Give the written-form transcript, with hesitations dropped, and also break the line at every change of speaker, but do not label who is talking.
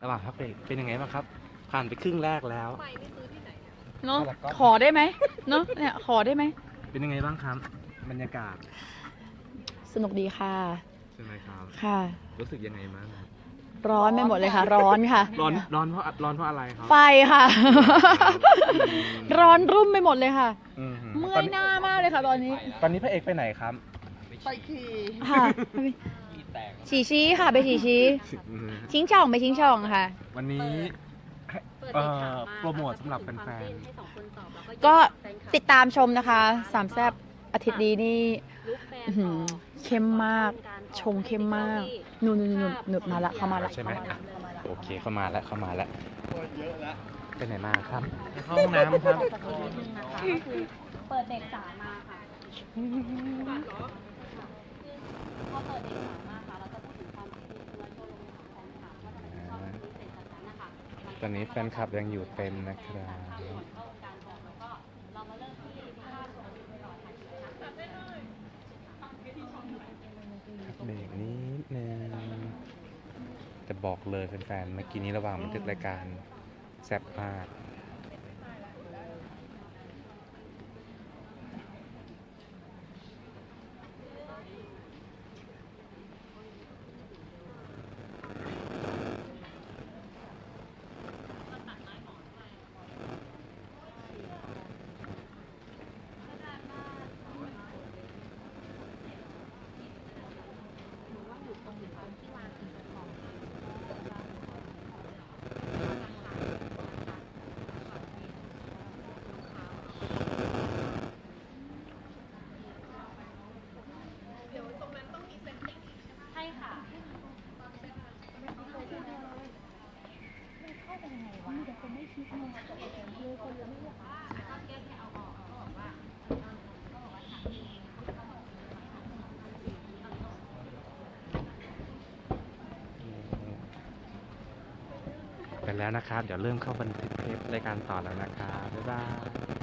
ระหว่างพักเบรกเป็นยังไงบ้างครับผ่านไปครึ่งแรกแล้ว
เนาะขอได้ไหมเนาะเนี่ยขอได้ไหม
เป็นยังไงบ้างครับบรรยากาศ
สนุกดีค่ะ
ใช่ไหมครับ
ค่ะ
รู้สึกยังไงบ้าง
ร้อนไปหมดเลยค่ะ ร้อนค่ะ
ร้อนเพราะอะไรครับ
ไฟค่ะ ร้อนรุ่มไปหมดเลยค่ะเมื่อยหน้ามากเลยค่ะตอนนี้
พระเอกไปไหนครับ
ไปขี่ค่ะฉีชี้ค่ะไปฉีชี้ชิงช่องไปชิงช่องค่ะ
วันนี้โปรโมทสำหรับแฟน
ๆก็ติดตามชมนะคะสามแซ่บอาทิตย์นี้นี่เข้มมากชงเข้มมากนุ่นมาละเข้ามาละ
ใช่ไหมโอเคเข้ามาแล้วเยอะแล้วไปไหนมาครับเข้าห้
องน้ำครับ
เปิดเด็กสามมาค่ะพอเปิดเด็กสามมาค่ะเราจะพูดถึงความคิดเห็นและโชว์ลงของถามว่าทำไมถึงชอบเป็นพิเศษจากนั้นนะคะ
ตอนนี้แฟนคลับยังอยู่เต็มนะครับเบรกนิดนึงจะบอกเลยแฟนๆเมื่อกี้นี้ระหว่างบันทึกรายการแซ่บมากไปแล้วนะครับเดี๋ยวเริ่มเข้าบันทึกเทปรายการต่อแล้วนะครับบ๊ายบาย